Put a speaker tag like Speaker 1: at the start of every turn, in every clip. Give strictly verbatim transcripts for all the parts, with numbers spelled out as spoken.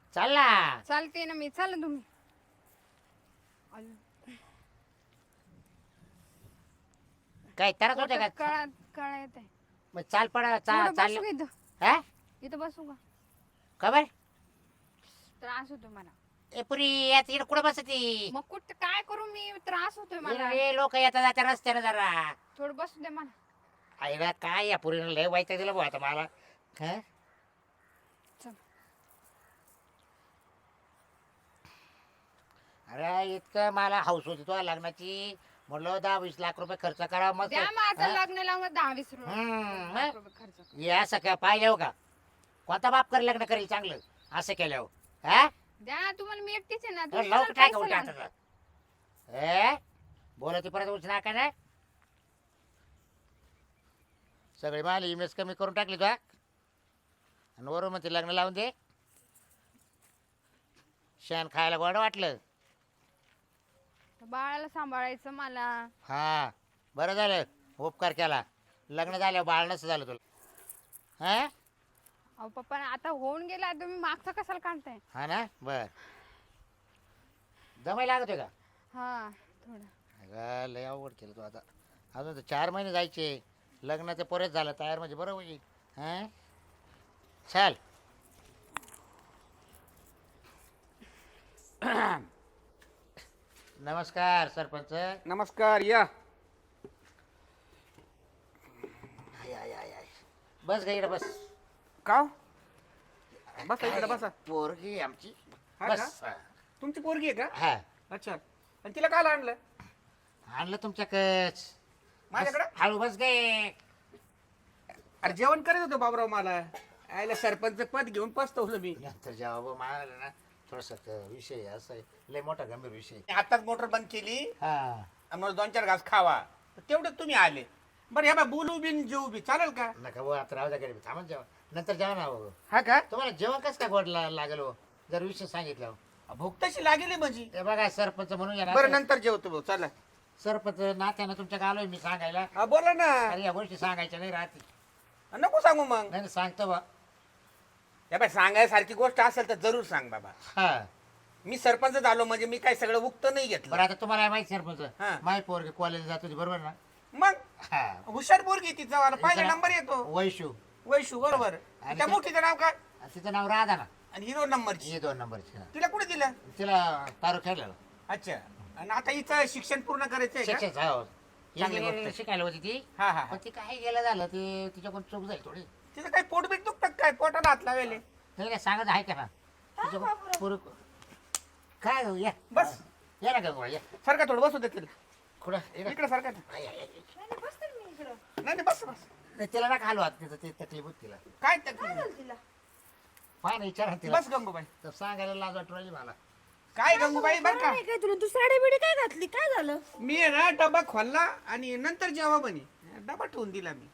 Speaker 1: चाल ना.
Speaker 2: चालते ना मी. चाल तुम्ही.
Speaker 1: काय तरच होते का?
Speaker 2: कळा कळा येत आहे.
Speaker 1: मग चाल पडा चाल
Speaker 2: बसू
Speaker 1: चाल.
Speaker 2: का इथं?
Speaker 1: हा
Speaker 2: इथं बसू का?
Speaker 1: खबर
Speaker 2: त्रास होतो मला.
Speaker 1: ए पुरी यात इकडे कुठं बसती?
Speaker 2: मग कुठं काय करू मी? त्रास होतोय मला.
Speaker 1: हे लोक येतात जात्या रस्त्याने जरा.
Speaker 2: थोडं बसू दे मला.
Speaker 1: आईला काय या पुरीने लय वाईट दिलं भाऊ आता मला. हा
Speaker 2: चल.
Speaker 1: अरे इतकं मला हौस होती तुझ्या लग्नाची. म्हणलं दहा वीस लाख रुपये खर्च करा मस्त.
Speaker 2: द्या माझं
Speaker 1: हा?
Speaker 2: लग्न लावून दहा वीस रुपये
Speaker 1: हम्म,
Speaker 2: लाख
Speaker 1: मग?
Speaker 2: रुपये खर्च कर.
Speaker 1: हे असं काय पाहिजे हो का? कोणता बाप कर लग्न करेल चांगलं असं केल्यावर? हा
Speaker 2: द्या तुम्हाला मी एकटीच आहे ना.
Speaker 1: तर
Speaker 2: तुम्ही
Speaker 1: लवकर
Speaker 2: मला
Speaker 1: टाका
Speaker 2: पैसे
Speaker 1: उलट्या
Speaker 2: लावा.
Speaker 1: हाताचा. ए बोलती परत उच नाका ना. सगळे माल इमेज कमी करून टाकली तुला आणि वरून मग ते लग्न लावून दे. शेण खायला गोड वाटलं.
Speaker 2: बाळाला सांभाळायचं मला.
Speaker 1: हा बरं झालं उपकार केला. लग्न झालं बाळ नसं झालं तुला. हा
Speaker 2: अहो पप्पा आता होऊन गेला. तुम्ही मागचं कशाला काढताय?
Speaker 1: हा ना बर दमाय लागतोय का?
Speaker 2: हा थोडं.
Speaker 1: अगं लय अवघड केलं तू आता. अजून तर चार महिने जायचे. लग्नाचं परत झालं तयार म्हणजे बरं होईल. हां चाल. नमस्कार सरपंच.
Speaker 3: नमस्कार या.
Speaker 1: आय, आय, आय, आय. बस गा इकडं बस.
Speaker 3: का बसा इकडे बसा.
Speaker 1: पोरगी आहे आमची.
Speaker 3: हा
Speaker 1: बस
Speaker 3: का? तुमची पोरगी आहे का?
Speaker 1: हा
Speaker 3: अच्छा. आणि तिला काल आणलं
Speaker 1: आणलं तुमच्याकच.
Speaker 3: माझ्याकडे?
Speaker 1: हळू बस गे.
Speaker 3: अरे जेवण करत होतो बाबराव. मला आयला सरपंच पद घेऊन पस्तवलं मी.
Speaker 1: नंतर जेव्हा मारलं ना थोडस विषय असं आहे. लय मोठा गंभीर विषय.
Speaker 3: आताच मोटर बंद केली
Speaker 1: हा
Speaker 3: आणि मला दोन चार घास खावा. तर तेवढं तुम्ही आले. बरं ह्या बा बोलू बिन जेऊ बी चालेल का?
Speaker 1: नका भाऊ आता राहू द्या घरी थांबा जेवण. नंतर जेवण हवं.
Speaker 3: हा का?
Speaker 1: तुम्हाला जेवण कसं काय गोड ला- लागेल हो जर विषय सांगितलं हो.
Speaker 3: भूक तशी लागेली म्हणजे.
Speaker 1: ते बघा सरपंच म्हणून या
Speaker 3: बरं
Speaker 1: ना.
Speaker 3: नंतर जेवतो भाऊ. चला.
Speaker 1: सरपंच नात्यानं तुमच्या आलोय मी सांगायला.
Speaker 3: हा बोला ना.
Speaker 1: अरे या गोष्टी सांगायच्या नाही राहते.
Speaker 3: नको सांगू मग.
Speaker 1: नाही नाही, सांगतो बा.
Speaker 3: या बाय सांगायसारखी गोष्ट असेल तर जरूर सांग बाबा.
Speaker 1: हा
Speaker 3: मी सरपंच झालो म्हणजे मी काय सगळं उक्त नाही
Speaker 1: बरं
Speaker 3: घेतलं.
Speaker 1: आता तुम्हाला माहिती सरपंच
Speaker 3: हा.
Speaker 1: माय पोरगी कॉलेज जात होती बरोबर ना.
Speaker 3: मग
Speaker 1: हा
Speaker 3: हुशार पोरगी तिचा वाला पहिला
Speaker 1: तिचं
Speaker 3: नंबर येतो.
Speaker 1: वैशू
Speaker 3: वैशू बरोबर.
Speaker 1: आणि
Speaker 3: त्या
Speaker 1: ते-
Speaker 3: मोठीचं नाव काय?
Speaker 1: आणि तिचं नाव राधा ना.
Speaker 3: आणि हिरो नंबरची.
Speaker 1: हे दोन नंबरची.
Speaker 3: तिला कुठे दिलं?
Speaker 1: तिला तारू खेळलेलं
Speaker 3: अच्छा. आणि आता हिचं शिक्षण पूर्ण करायचंय का?
Speaker 1: शिक्षण हो
Speaker 3: चांगली
Speaker 1: इंजिनिअरिंग
Speaker 3: गोष्ट.
Speaker 1: शिकायला होती ती.
Speaker 3: हा हा
Speaker 1: पण ती काय गेलं झालं ते तिच्याकडून चूक झाली थोडी.
Speaker 3: तिचं काही पोटबीट दुखतात काय? पोटाला हात लावेले.
Speaker 1: त्याला काय सांगत आहे का ना तिच्याकडून पुरं काय हो, या
Speaker 3: बस.
Speaker 1: या ना गंगवा या.
Speaker 3: सारखा थोडं बसू दे तिला.
Speaker 1: कुठं इकडं?
Speaker 3: इकडे सारखा.
Speaker 1: आय, आय, आय.
Speaker 3: नाही नाही बस बस.
Speaker 1: नाही, तिला ना खालो आता तिचं ते तकलीफ होती तिला.
Speaker 3: काय तकलीफ?
Speaker 1: पाय ना विचारा तिला.
Speaker 3: बस गंगूबाई.
Speaker 1: तर सांगायला लाज वाटू राहिली मला.
Speaker 3: काय गंगूबाई बर का?
Speaker 4: काय तुला तू साडी बिडी काय घातली? काय झालं?
Speaker 3: मी आहे ना डबा खोलला आणि नंतर जेव्हा बनी डबा ठेवून दिला मी.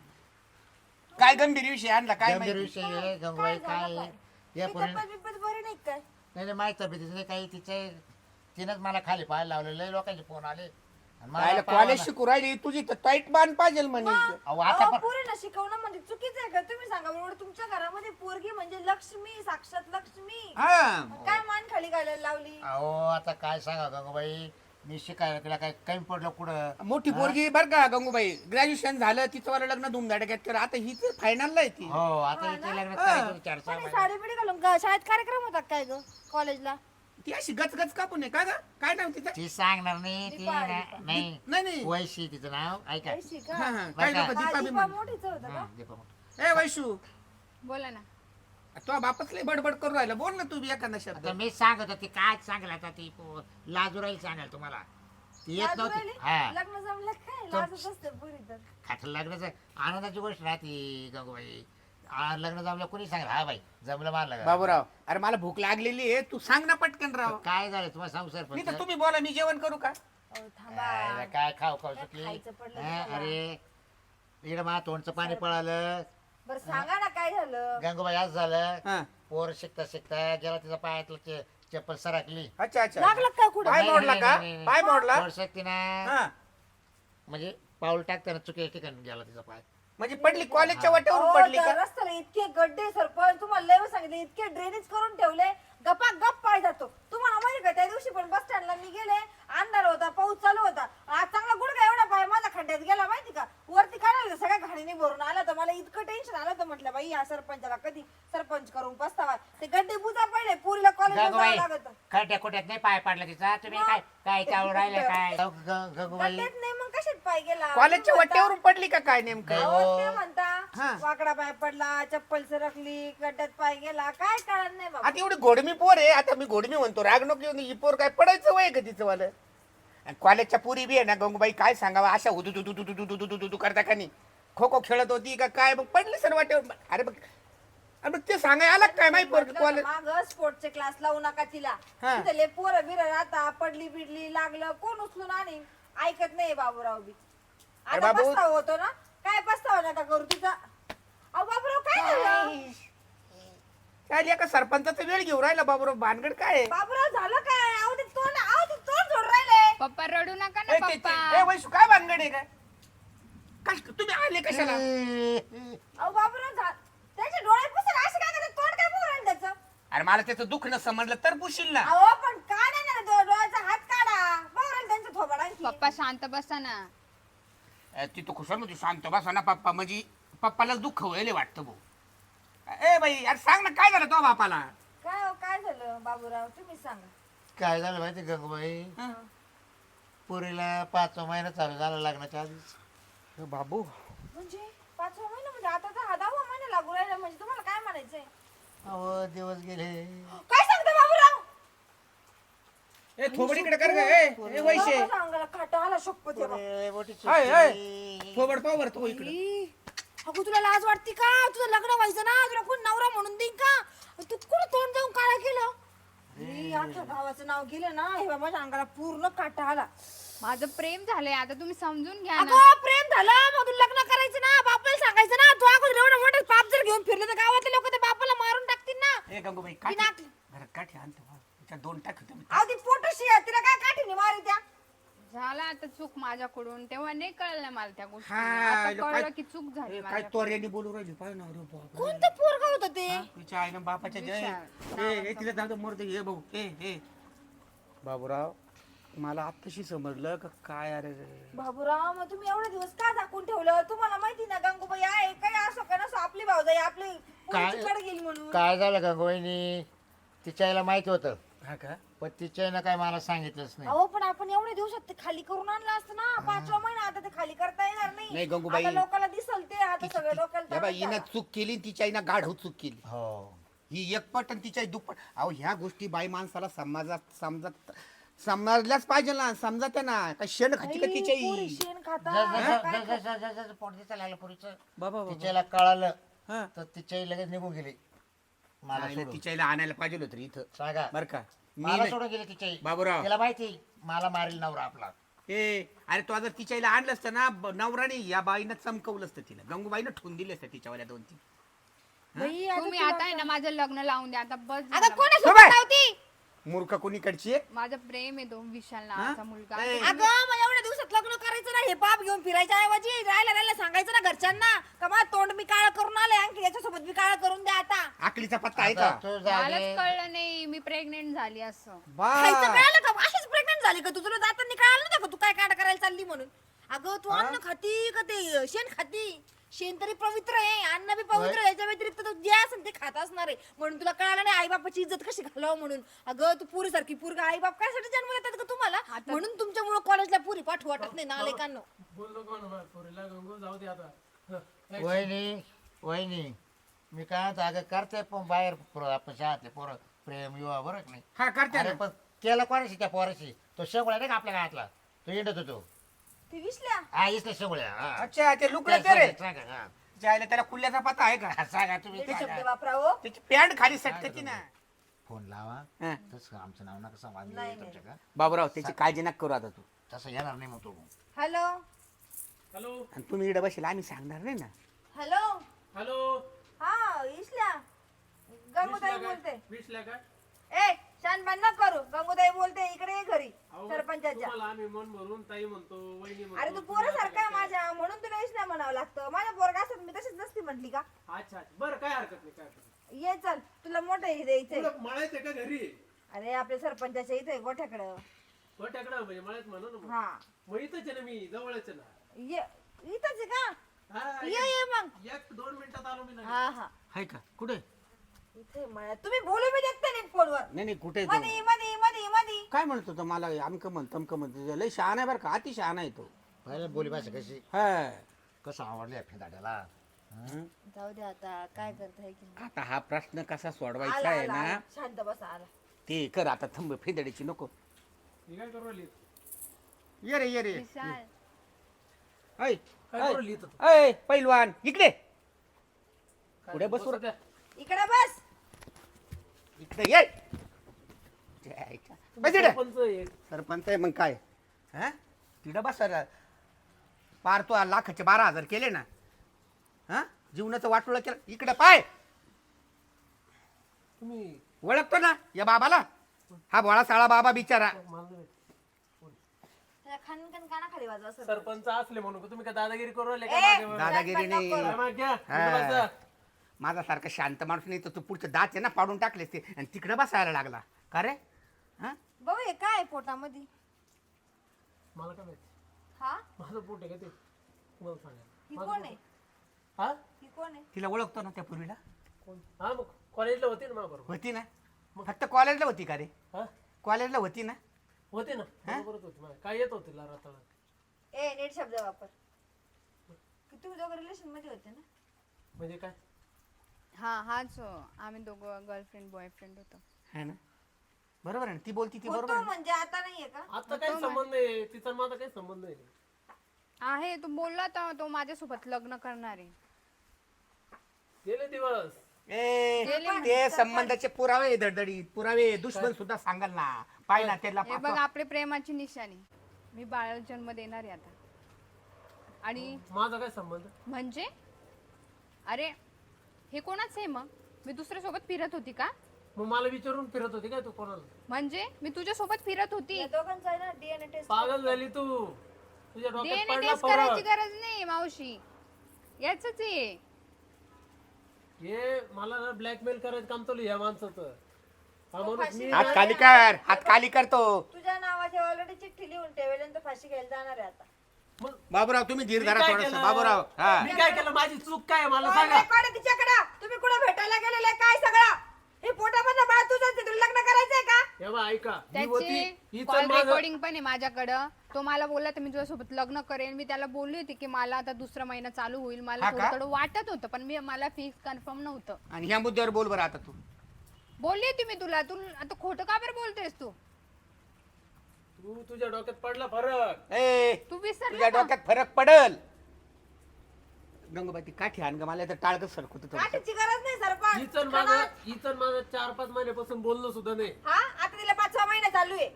Speaker 3: काय गंभीर विषय आणला काय
Speaker 1: गंभीर
Speaker 3: माहिती?
Speaker 1: विषय आहे, गंगूबाई काय आहे? या
Speaker 4: ती
Speaker 1: पोरी
Speaker 4: तब्येत बिब्येत बरी नाही काय?
Speaker 1: नाही नाही, माहिती तब्येतीचं नाही काही तिचे तिनंच मला खाली पाहायला लावलं. लय लोकांचे फोन आले आणि मला
Speaker 3: राहिलं
Speaker 1: पाहावं
Speaker 3: कॉलेज
Speaker 1: ना.
Speaker 3: शिकू राहिली तुझी तर टाईट बांध पाहिजे म्हणे.
Speaker 1: अहो, आता
Speaker 4: अहो,
Speaker 1: पण
Speaker 4: पोरीला शिकवणं म्हणजे चुकीचं आहे का? तुम्ही सांगा बरोबर. तुमच्या घरामध्ये पोरगी म्हणजे लक्ष्मी, साक्षात लक्ष्मी.
Speaker 3: हा
Speaker 4: काय मान खाली घालायला लावली?
Speaker 1: अहो आता काय सांगा गंगूबाई मी शिकायला तिला काय कमी पडलं कुठं.
Speaker 3: मोठी पोरगी बर का गंगूबाई. ग्रॅज्युएशन झालं तिचं वाला लग्न धुमधडाक्यात केलं. आता ही फायनलला आहे ती.
Speaker 1: हो आता
Speaker 4: हा
Speaker 1: इथे
Speaker 4: ना?
Speaker 1: लग्न
Speaker 3: हा.
Speaker 1: करायचं चार सहा
Speaker 4: पण हे
Speaker 1: महिने.
Speaker 4: साडी बिडी घालून ग- शाळेत कार्यक्रम होता काय ग कॉलेजला?
Speaker 3: ती अशी गच गच कापून आहे का ग? काय नाव तिचं?
Speaker 1: ती सांगणार नाही ती
Speaker 4: दीपा,
Speaker 1: ना-
Speaker 4: दीपा.
Speaker 1: नाही
Speaker 3: नाही नाही.
Speaker 1: वैशी तिचं नाव ऐका.
Speaker 4: पैसे का?
Speaker 3: हा, हा.
Speaker 1: बरं
Speaker 3: काय
Speaker 1: का?
Speaker 3: लोक दीपा
Speaker 4: हा,
Speaker 3: बी
Speaker 4: दीपा
Speaker 3: म्हणे.
Speaker 4: मोठीच होतं का?
Speaker 1: हं, दीपा मोठा.
Speaker 3: ए वैशू
Speaker 2: बोला ना.
Speaker 3: तो बापच लय बडबड करू राहिला. बोल ना तू बी एखादा शब्द.
Speaker 1: आता मी सांगत होती काय सांगेल आता ती पो- लाजू राहील सांगाल तुम्हाला. ती येत
Speaker 4: लाजू
Speaker 1: नव्हती.
Speaker 4: राहिली?
Speaker 1: हा
Speaker 4: लग्न जमलं काय?
Speaker 1: तो-
Speaker 4: लाजच असते पोरी तर.
Speaker 1: खाट लग्नाचं आनंदाची गोष्ट राहते गंगूबाई. आ, लग्न जमलं कोणी सांगेल हा बाई जमलं मानलं.
Speaker 3: बाबूराव अरे मला भूक लागलेली आहे. तू सांग ना पटकन राव.
Speaker 1: काय झालं तुम्हाला सांगू सर
Speaker 3: नाही तर तुम्ही बोला मी जेवण करू का?
Speaker 4: अहो, थांबा.
Speaker 1: काय खाऊ खाऊ
Speaker 4: काय
Speaker 1: सुटली.
Speaker 4: खायचं पडलं
Speaker 1: हं,
Speaker 4: तुम्हाला?
Speaker 1: अरे इकडं मा तोंडचं पाणी पळालं.
Speaker 4: बरं सांगा ना काय झालं?
Speaker 1: गंगूबाई आज झालं
Speaker 3: हा.
Speaker 1: पोर शिकता शिकता गेला तिचा पायातलं चे- चप्पल सरकली.
Speaker 3: अच्छा अच्छा.
Speaker 4: लागलं काय कुठं?
Speaker 3: पाय
Speaker 1: नाही,
Speaker 3: मोडला
Speaker 1: नाही,
Speaker 3: का?
Speaker 1: नाही, नाही.
Speaker 3: पाय मोडला?
Speaker 1: थोडसं तिनं
Speaker 3: हा.
Speaker 1: म्हणजे पाऊल टाकताना चुकीच्या ठिकाणी गेला तिचा पाय.
Speaker 3: म्हणजे पडली कॉलेजच्या वाट्यावर
Speaker 4: अहो,
Speaker 3: पडली
Speaker 4: त्या
Speaker 3: का
Speaker 4: रस्त्याला इतके गड्डे सरपंच तुम्हाला लय वेळा सांगितले इतके ड्रेनेज करून ठेवले गप्पा गप पाय जातो तुम्हाला माहिती का त्या दिवशी पण बस स्टँडला मी गेले अंधार होता पाऊस चालू होता आज चांगला गुडघा एवढा पाय माझा खड्ड्यात गेला माहिती का वरती काढायला सगळ्या घाणीने भरून आला तर मला इतकं टेन्शन आलं तर म्हटलं बाई या सरपंचाला कधी सरपंच करून पस्तावा ते गड्डे बुजा पडले पुरीला कॉलेजला जावं
Speaker 1: गंगूबाई
Speaker 4: लागत
Speaker 1: खड्ड्या खोट्यात नाही पाय पडला तिचा तुम्ही काय काय चावून राहिले काय ग- ग- गंगूबाई
Speaker 4: गड्ड्यात नाही मग कशात पाय गेला
Speaker 3: कॉलेजच्या
Speaker 4: तुम्ही म्हणता-
Speaker 3: वाट्यावरून पडली का काय नेमकं
Speaker 4: अहो, ते म्हणता
Speaker 3: हा.
Speaker 4: वाकडा पाय पडला चप्पल सरकली गड्ड्यात पाय गेला काय कळत नाही बाबा
Speaker 3: आता एवढी घोडमी पोर आहे आता मी घोडमी म्हणतो राग नको येऊन ही पोर काय पडायचं वय का तिचं वालं आणि कॉलेजच्या पुरी बी आहे ना गंगूबाई काय सांगावा अशा उदू दू दू दू दू दू दू दू करता का नाही खो खो खेळत होती का काय मग पडली सर वाटेवर अरे बघ अरे मग ते सांगाय आला काय माहिती पोर कॉलेज
Speaker 4: माग स्पोर्टचे क्लास लावू नका तिला
Speaker 3: हा.
Speaker 4: तिथे लय पोरं बिर राहता पडली बिडली लागलं कोण उचलून आणि ऐकत नाही बाबूराव बी
Speaker 3: अरे
Speaker 4: आता
Speaker 3: बाबू-
Speaker 4: पस्तावा होतो ना काय पस्तावा नका करू तिचा अहो बाबूराव काय झालं
Speaker 3: काय एका सरपंचाचा वेळ घेऊन राहिला बाबूराव भानगड काय आहे?
Speaker 4: बाबूराव झालं काय अहो ते तोंड अहो ते तोंड जोड राहिले
Speaker 2: पप्पा रडू नका ना
Speaker 3: ए, ते-
Speaker 2: पप्पा
Speaker 3: ते- ए, वैशू काय भानगड आहे काय कश तुम्ही आले कशाला
Speaker 4: अहो बाबूराव झा- त्याचे डोळे पुसून असे काय करतात तोंड काय पुरून राहिलं त्याचं
Speaker 3: अरे मला त्याचं दुःख न समजलं तर पुशील ना
Speaker 4: अहो पण का नाही ना डो- डोळ्याचा हात काढा बाबूराव त्यांचं थोबड आणखी
Speaker 2: पप्पा शांत बसा ना
Speaker 3: ए, ती तो खुशाल म्हणजे शांत बसा ना पप्पा म्हणजे पप्पाला दुःख व्हायला वाटतं भाऊ ए बाई अरे सांग ना काय झालं तो बापाला
Speaker 4: काय हो, काय झालं बाबूराव तुम्ही सांगा
Speaker 1: काय झालं माहिती गंगूबाई पुरीला पाचवा महिना चालू झाला लग्नाच्या आधीच
Speaker 3: ए, बाबू
Speaker 4: म्हणजे पाचवा महिना म्हणजे आता तर हा दहावा महिना लागू राहिला म्हणजे तुम्हाला काय म्हणायचंय
Speaker 1: अहो दिवस गेले
Speaker 4: काय सांगता बाबूराव
Speaker 3: ए थोबडीकडे कर ग ए ए, वैशे
Speaker 4: बाबाच्या अंगाला काटा आला शपथ आहे बाबा.
Speaker 1: पुरे मोठी
Speaker 3: हाय,
Speaker 1: चुकी.
Speaker 3: हाय. थोबड पावर तो इकडे
Speaker 4: ई, अगं तुला लाज वाटते का तुझं लग्न व्हायचं ना तुला कोण नवरा म्हणून देईन का तू कुठं तोंड जाऊन काळा केलं ई, अख्ख्या गावाचं नाव गेलं ना हे बाबाच्या अंगाला पूर्ण काटा आला
Speaker 2: माझं प्रेम झालंय आता तुम्ही समजून घ्या ना
Speaker 4: अगं प्रेम झालं मग तुला लग्न करायचं ना बापाला सांगायचं ना तू अगोदर एवढं मोठं पाप जर घेऊन फिरले तर गावातले लोक ते बापाला मारून टाकतील ना
Speaker 3: ए गंगूबाई
Speaker 4: ती
Speaker 3: काठी
Speaker 4: नाक-
Speaker 3: घरात काठी आणतो बा. त्याच्यात दोन टाक होते
Speaker 4: अहो ती पोटशी आहे तिला काय काठीने मारी त्या
Speaker 2: झाला आता चूक माझ्याकडून तेव्हा नाही कळलं मला त्या गोष्टी
Speaker 3: हा,
Speaker 2: आता
Speaker 3: लो,
Speaker 2: कळलं
Speaker 3: काय-
Speaker 2: की चूक झाली
Speaker 3: ए, काय
Speaker 2: माझ्याकडून.
Speaker 3: तोऱ्याने बोलू राहिली पाय ना अरे बाप
Speaker 4: कोणतं पोरग होतं ते
Speaker 3: तिच्या आईनं बापाच्या जय
Speaker 2: विशाल.
Speaker 3: ए ए, तिला जाऊ मोर हे भाऊ ए ए बाबूराव मला आत्ताशी समजलं का काय अरे
Speaker 4: बाबूराव मग तुम्ही एवढे दिवस का झाकून ठेवलं तुम्हाला माहिती ना गंगूबाई आहे काय असो का नसो आपली भाऊजाई आपली
Speaker 1: काय-
Speaker 4: कडे गेली म्हणून
Speaker 1: काय झालं गंगूबाईनी तिच्या आईला माहिती होतं
Speaker 3: हा का
Speaker 1: पण तिच्या आईनं काय मला सांगितलंच नाही
Speaker 4: अहो पण आपण एवढ्या दिवसात ते खाली करून आणलं असतं ना पाचवा महिना आता ते खाली करता येणार
Speaker 3: नाही,
Speaker 4: नाही
Speaker 3: गंगूबाई.
Speaker 4: आता लोकांना दिसल ते आता सगळं डोक्याला
Speaker 3: या बाई
Speaker 4: ताण
Speaker 3: हिनं
Speaker 4: झाला.
Speaker 3: चूक केली तिच्या आईनं गाढव चूक केली
Speaker 1: हो
Speaker 3: ही एकपट आणि तिच्या आई दुप्पट अहो ह्या गोष्टी बाई माणसाला समाजात समजत समजल्याच पाहिजे ना समजत ना काय शेण खाती का
Speaker 4: आई,
Speaker 3: तिच्या
Speaker 4: पोरी
Speaker 3: आई
Speaker 4: शेण खाता
Speaker 1: जस- जस-
Speaker 4: काय
Speaker 1: जस- जस- जस- जस पोट दिसायला लागलं पुरीचं
Speaker 3: बाबा
Speaker 1: तिच्या आईला कळालं
Speaker 3: हा
Speaker 1: तर तिच्या आई लगेच निघून गेली मला
Speaker 3: आईला
Speaker 1: सोडून.
Speaker 3: तिच्या आईला आणायला पाहिजे होतं रे इथं
Speaker 1: सांगा
Speaker 3: बर का मी
Speaker 1: मला
Speaker 3: नाही.
Speaker 1: सोडून गेली तिच्या आई
Speaker 3: बाबूराव
Speaker 1: तिला माहिती मला मारील नवरा आपला
Speaker 3: ए अरे तो जर तिच्या आईला आणलं असतं ना ब- नवराने या बाईनं चमकवलं असतं तिला गंगूबाईनं ठेवून दिले असतं तिच्यावाल्या दोन तीन
Speaker 4: बाई, आता
Speaker 2: तुम्ही
Speaker 4: तुला
Speaker 2: आता आहे ना माझं लग्न लावून द्या आता बस
Speaker 4: अगं
Speaker 2: झालं.
Speaker 4: कोणासोबत
Speaker 3: बाबा.
Speaker 4: लावती
Speaker 3: मूर्ख कोणीकडची आहे?
Speaker 2: माझं प्रेम आहे तो विशाल नावाचा मुलगा
Speaker 3: ए.
Speaker 4: अगं मग एवढ्या दिवसात लग्न करायचं ना हे पाप घेऊन फिरायच्या ऐवजी राहायला राहायला सांगायचं ना घरच्यांना का माझं तोंड मी काळ करून आले आणखी याच्यासोबत मी काळ करून द्या आता
Speaker 3: आकलीचा पत्ता आहे
Speaker 1: आता
Speaker 3: का
Speaker 1: तू
Speaker 2: मलाच
Speaker 1: झाले
Speaker 2: कळलं नाही मी प्रेग्नेंट झाली असं
Speaker 3: बा
Speaker 4: खायचं कळालं का अशीच प्रेग्नंट झाली का तू तुला जाताना कळालं नव्हतं का तू काय काढ करायला चालली म्हणून अगं तू अन्न खाती का ते शेण खाती शेण तरी पवित्र आहे अन्न बी पवित्र आहे. याच्या व्यतिरिक्त तू जे असेल ते खात असणार आहे म्हणून तुला कळालं नाही आई बापाची इज्जत कशी घालावं म्हणून अगं तू पुरी सारखी पुरगा आई बाप काय साठी जन्म येतात का तुम्हाला
Speaker 2: आता-
Speaker 4: म्हणून तुमच्यामुळे कॉलेजला पुरी पाठवू वाटत नाही नालेकांनो
Speaker 5: बोललो कोण बा, पोरीला गंगू जाऊ दे आता हं, एक-
Speaker 1: वहिनी वहिनी मी काय म्हणतो, अगं करते पण बाहेर पोरं, आपण शाळेतले पोरं प्रेम विवाह बरं का नाही
Speaker 3: हा करते
Speaker 1: अरे
Speaker 3: ना
Speaker 1: पण केलं कोणाशी त्या पोराशी तो शेवळ्या नाही का आपल्या गावातला तो इंडत होतो
Speaker 4: ती विसल्या
Speaker 1: हा इसल्या शेवळ्या हा.
Speaker 3: अच्छा ते लुकडे
Speaker 1: त्या
Speaker 3: ते रे
Speaker 1: सांगा, सांगा, हा.
Speaker 3: जायला त्याला कुल्ल्याचा पत्ता आहे का
Speaker 1: हा, सांगा तुम्ही
Speaker 4: ते शब्द
Speaker 1: सांगा.
Speaker 4: वापरा हो
Speaker 3: त्याची पॅन्ट खाली सटकती ना
Speaker 1: फोन लावा
Speaker 3: हा.
Speaker 1: तसं आमचं नाव नका सांगा आम्ही
Speaker 4: नाही,
Speaker 1: येऊ तुमच्या का
Speaker 3: बाबूराव त्याची काळजी नका करू आता तू
Speaker 1: तसं येणार नाही मग तो
Speaker 4: हॅलो
Speaker 5: हॅलो
Speaker 3: आणि तुम्ही इकडे बसेल आम्ही सांगणार नाही ना
Speaker 4: हॅलो
Speaker 5: हॅलो
Speaker 4: हा इसल्या गंगूताई
Speaker 5: विसल्या
Speaker 4: बोलते
Speaker 5: काय विसल्या काय
Speaker 4: ए शांत छान बन न करू. गंगूताई बोलते इकडे ये घरी
Speaker 5: अहो,
Speaker 4: सरपंचाच्या.
Speaker 5: तुम्हाला आम्ही मन भरून ताई म्हणतो वहिनी म्हणतो.
Speaker 4: अरे तू पोरं सारखा आहे माझ्या, म्हणून तुला इश नाही म्हणावं लागतं. माझ्या पोरगा असत मी तशीच नसती म्हटली का.
Speaker 5: अच्छा अच्छा. बरं काय हरकत नाही काय हरकत नाही.
Speaker 4: ये चल तुला मोठं हे द्यायचंय.
Speaker 5: पुढं मळायचं का घरी
Speaker 4: अरे आपल्या सरपंचाच्या इथे गोठ्याकडं.
Speaker 5: गोट्याकडं म्हणजे मळ्यात म्हणा ना मग.
Speaker 4: हा
Speaker 5: मग इथंच आहे ना मी जवळच आहे ना.
Speaker 4: ये इथंच आहे का.
Speaker 5: हा,
Speaker 4: ये ये मग.
Speaker 5: एक दोन मिनिटात आलो मी लगेच.
Speaker 4: हा हा
Speaker 1: आहे का कुठे
Speaker 4: इथे म्हणा तुम्ही बोलू बी देत नाही फोनवर.
Speaker 3: नाही नाही कुठे तो
Speaker 4: मधी मधी मधी मधी.
Speaker 3: काय म्हणतो तो मला आमकं म्हण तमकं म्हणतो लय शहाणा आहे बरं का अति शहाणा आहे तो.
Speaker 1: पहिले बोली भाषा कशी
Speaker 3: हा
Speaker 1: कसं आवडले फेदाड्याला.
Speaker 4: जाऊ दे आता काय करताय की नाही.
Speaker 3: आता हा प्रश्न कसा सोडवायचा
Speaker 4: आला,
Speaker 3: आहे
Speaker 4: आला,
Speaker 3: ना
Speaker 4: आला. शांत बसा आला.
Speaker 3: ते कर आता थंब फेदडीची नको.
Speaker 5: ही काय करू राहिली
Speaker 3: ये रे ये रे
Speaker 2: विशाल
Speaker 3: ऐ
Speaker 5: काय करू राहिली इथं तू?
Speaker 3: ऐ पैलवान इकडे
Speaker 5: काय
Speaker 3: पुढे बसू
Speaker 5: बसू द्या.
Speaker 4: इकडे बस.
Speaker 3: इकडे ये जायच्या. बस इकडे.
Speaker 5: सरपंच आहे.
Speaker 3: सरपंच आहे मग काय हा तिकडं बस सर पार तू लाखाचे बारा हजार केले ना हा जीवनाचं वाटोळं केलं इकडे पाय
Speaker 5: तुम्ही
Speaker 3: ओळखतो ना या बाबाला हा भोळा साळा बाबा बिचारा
Speaker 5: मला नाही माहिती.
Speaker 4: त्याला खनखन कानाखाली वाजवा सर.
Speaker 5: सरपंच असले म्हणून का तुम्ही काय दादागिरी करू राहिले
Speaker 4: ए,
Speaker 5: का मागे वर?
Speaker 3: दादागिरी नाही
Speaker 5: काय मागे घ्या.
Speaker 3: हा.
Speaker 5: इथं बसा.
Speaker 3: माझा सारखा शांत माणूस नाही तर तू पुढचे दात आहे ना पाडून टाकलेस ते आणि तिकडे बसायला लागला का रे हा
Speaker 4: भाऊ हे काय आहे पोटामध्ये.
Speaker 5: मला काय माहिती
Speaker 4: हा
Speaker 5: माझं पोट आहे का ते तुम्हाला
Speaker 4: ही
Speaker 5: सांगा
Speaker 4: कोण आहे.
Speaker 5: हा
Speaker 4: ही कोण आहे.
Speaker 3: तिला ओळखतो ना त्या पूर्वीला
Speaker 5: कोण हा मग कॉलेजला होते ना माझ्या बरोबर
Speaker 3: होती ना फक्त कॉलेजला होती का रे
Speaker 5: हा
Speaker 3: कॉलेजला होती ना
Speaker 5: होते ना बरोबरच होते मला काय येत होते लारा
Speaker 4: ए नीट शब्द वापर. की तुम्ही दोघं रिलेशन मध्ये होते ना.
Speaker 5: म्हणजे काय
Speaker 2: हा हाच हो. आम्ही दोघं गर्लफ्रेंड बॉयफ्रेंड होतो.
Speaker 3: है ना बरोबर आहे ना ती बोलती ती बरोबर
Speaker 4: होतो
Speaker 3: आहे ना?
Speaker 4: म्हणजे आता नाहीये का.
Speaker 5: आता काही संबंध नाही तिचा आणि माझा काही संबंध नाही
Speaker 2: आहे तो बोलला तर तो माझ्यासोबत लग्न करणार आहे.
Speaker 5: गेले दिवस
Speaker 3: ए
Speaker 2: गेले
Speaker 3: ते संबंधाचे पुरावे दडदडीत पुरावे दुश्मन सुद्धा सांगाल ना पाय ना त्याला
Speaker 2: हे बघ आपले प्रेमाची निशाणी. मी बाळाला जन्म देणार आहे आता. आणि
Speaker 5: माझा काय संबंध
Speaker 2: म्हणजे अरे हे कोणाच आहे मग. मी दुसऱ्या सोबत फिरत होती का.
Speaker 5: मग मला विचारून फिरत होती काय तू कोणाला
Speaker 2: म्हणजे मी तुझ्या सोबत फिरत होती.
Speaker 4: या दोघांचा आहे ना डीएनए टेस्ट.
Speaker 5: पागल झाली तू तुझ्या डोक्यात
Speaker 2: डीएनए
Speaker 5: पडला
Speaker 2: टेस्ट करायची
Speaker 5: फरक
Speaker 2: गरज नाही मावशी. याच आहे.
Speaker 5: हे मला ना ब्लॅकमेल करायचं काम चालू या माणसाचं हा माणूस मी
Speaker 3: हात खाली कर हात खाली करतो
Speaker 4: तुझ्या नावाची ऑलरेडी चिठ्ठी लिहून ठेवली आणि तो फाशी घ्यायला जाणार आहे आता.
Speaker 5: मग
Speaker 3: बाबूराव तुम्ही धीर
Speaker 5: मी
Speaker 3: धरा
Speaker 5: काय
Speaker 3: थोडस
Speaker 5: केलं?
Speaker 3: बाबूराव हा
Speaker 5: मी काय केलं माझी चूक काय आहे मला
Speaker 4: कॉल
Speaker 5: सांगा
Speaker 4: रेकॉर्ड आहे तिच्याकडं. तुम्ही कुठं भेटायला गेलेले काय सगळं. हे पोटामधलं बाळ तुझं आहे, तुला लग्न करायचंय का.
Speaker 5: हे बा ऐका ही होती
Speaker 2: त्याची
Speaker 5: हिचं
Speaker 2: कॉल
Speaker 5: माझं
Speaker 2: रेकॉर्डिंग पण आहे माझ्याकडं. तो मला बोलला तर मी तुझ्यासोबत लग्न करेन. मी त्याला बोलली होती की मला आता दुसरा महिना चालू होईल. मला
Speaker 3: हा का?
Speaker 2: थोडं थोडं वाटत होतं पण मी मला फिक्स कन्फर्म नव्हतं.
Speaker 3: आणि ह्या मुद्द्यावर बोल बरं आता तू
Speaker 2: बोलली होती मी तुला. तू आता खोटं का बरं बोलतेस तू.
Speaker 5: तू तुझ्या डोक्यात पडला फरक
Speaker 3: ए
Speaker 2: तू
Speaker 3: तुझ्या
Speaker 2: विसरला का?
Speaker 3: डोक्यात फरक पडल गंगोबाई ती काठी आण ग मला तर टाळग सरकत होतं.
Speaker 4: काठीची गरज नाही सरपंच.
Speaker 5: हिचन माझं हिचन माझं चार पाच महिन्यापासून बोलणं सुद्धा नाही
Speaker 4: हा आता तिला पाच सहा महिने चालू आहे.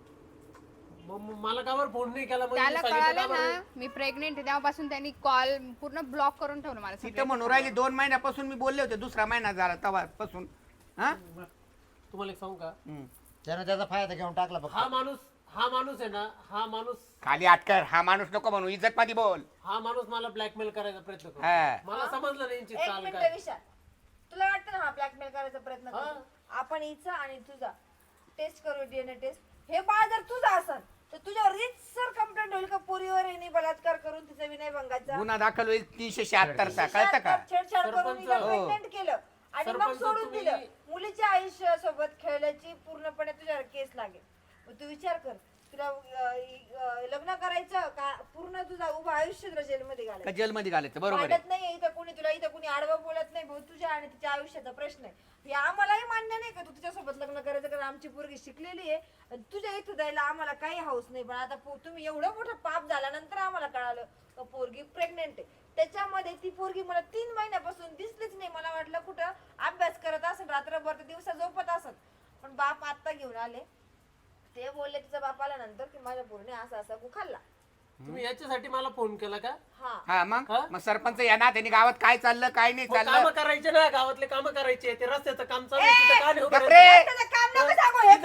Speaker 5: मग मग मला कावर फोन नाही केला म्हणजे
Speaker 2: त्याला
Speaker 5: सांगितलं
Speaker 2: कळालं
Speaker 5: का बरं?
Speaker 2: ना मी प्रेग्नेंट आहे तेव्हापासून त्यांनी कॉल पूर्ण ब्लॉक करून ठेवलं मला
Speaker 3: तिथं
Speaker 2: सगळं.
Speaker 3: म्हणून राहिली दोन महिन्यापासून मी बोलले होते दुसरा महिना झाला तेव्हापासून हा
Speaker 5: तुम्हाला एक सांगू का
Speaker 3: हम्म.
Speaker 1: त्यानं त्याचा फायदा घेऊन टाकला फक्त.
Speaker 5: हा माणूस हा माणूस आहे ना हा माणूस
Speaker 3: खाली अटकर हा माणूस नको म्हणू इज्जत मध्ये बोल
Speaker 5: हा माणूस मला ब्लॅकमेल करायचा प्रयत्न करतो
Speaker 3: हा.
Speaker 5: मला समजलं नाही यांची
Speaker 4: एक
Speaker 5: चाल
Speaker 4: मिनिट
Speaker 5: काय
Speaker 4: विशाल तुला वाटतं ना हा ब्लॅकमेल करायचा प्रयत्न
Speaker 5: हा.
Speaker 4: करतो. आपण हिचा आणि तुझा टेस्ट करू डीएनए टेस्ट. हे बाळ जर तुझं असेल तर तुझ्यावर सर कंप्लेंट होईल का पोरीवर हिने बलात्कार करून तिचा विनयभंगाचा
Speaker 3: गुन्हा दाखल होईल तीनशे शहात्तरचा कळतं का
Speaker 4: छेडछाड करून
Speaker 5: सरपंच.
Speaker 4: हिला
Speaker 3: हो.
Speaker 4: प्रेग्नेंट केलं आणि मग
Speaker 5: सरपंच,
Speaker 4: सोडून
Speaker 5: तुम्ही-
Speaker 4: दिलं. मुलीच्या आयुष्यासोबत खेळल्याची पूर्णपणे तुझ्यावर केस लागेल. मग तू विचार कर तुला अं, अं, लग्न करायचं का पूर्ण तुझा उभं आयुष्य तुला जेलमध्ये
Speaker 3: का
Speaker 4: घालायचं.
Speaker 3: जेलमध्ये घालायचं बरोबर आहे
Speaker 4: वाटत नाही इथं कुणी तुला इथं कुणी आडवं बोलत नाही भाऊ तुझ्या आणि तिच्या आयुष्याचा प्रश्न आहे. हे आम्हालाही मान्य नाही का तू तिच्यासोबत लग्न करायचं कारण आमची पोरगी शिकलेली आहे आणि तुझ्या इथं जायला आम्हाला काही हाऊस नाही. पण आता पो- तुम्ही एवढं मोठं पाप झाल्यानंतर आम्हाला कळालं का पोरगी प्रेग्नेंट आहे. त्याच्यामध्ये ती पोरगी मला तीन महिन्यापासून दिसलीच नाही. मला वाटलं कुठं अभ्यास करत असेल रात्रभर तर दिवसा झोपत असेल. पण बाप आत्ता घेऊन आले ते बोलले तिचा बाप आल्यानंतर की माझ्या पोरीने असा असा गु खाल्ला.
Speaker 5: तुम्ही याच्यासाठी मला फोन केला का
Speaker 4: हा
Speaker 3: हा मग
Speaker 5: हा?
Speaker 3: मग सरपंच या ना त्यांनी गावात काय चाललं काय नाही
Speaker 5: काम
Speaker 3: चाललं
Speaker 5: करायचे ना गावातले काम करायचे ते रस्त्याचं काम चालू आहे, तिथं का नाही उभं
Speaker 3: गप्रे.
Speaker 5: राहायचं?
Speaker 4: त्याचं काम नको सांगू हे
Speaker 5: तिथं
Speaker 4: काय?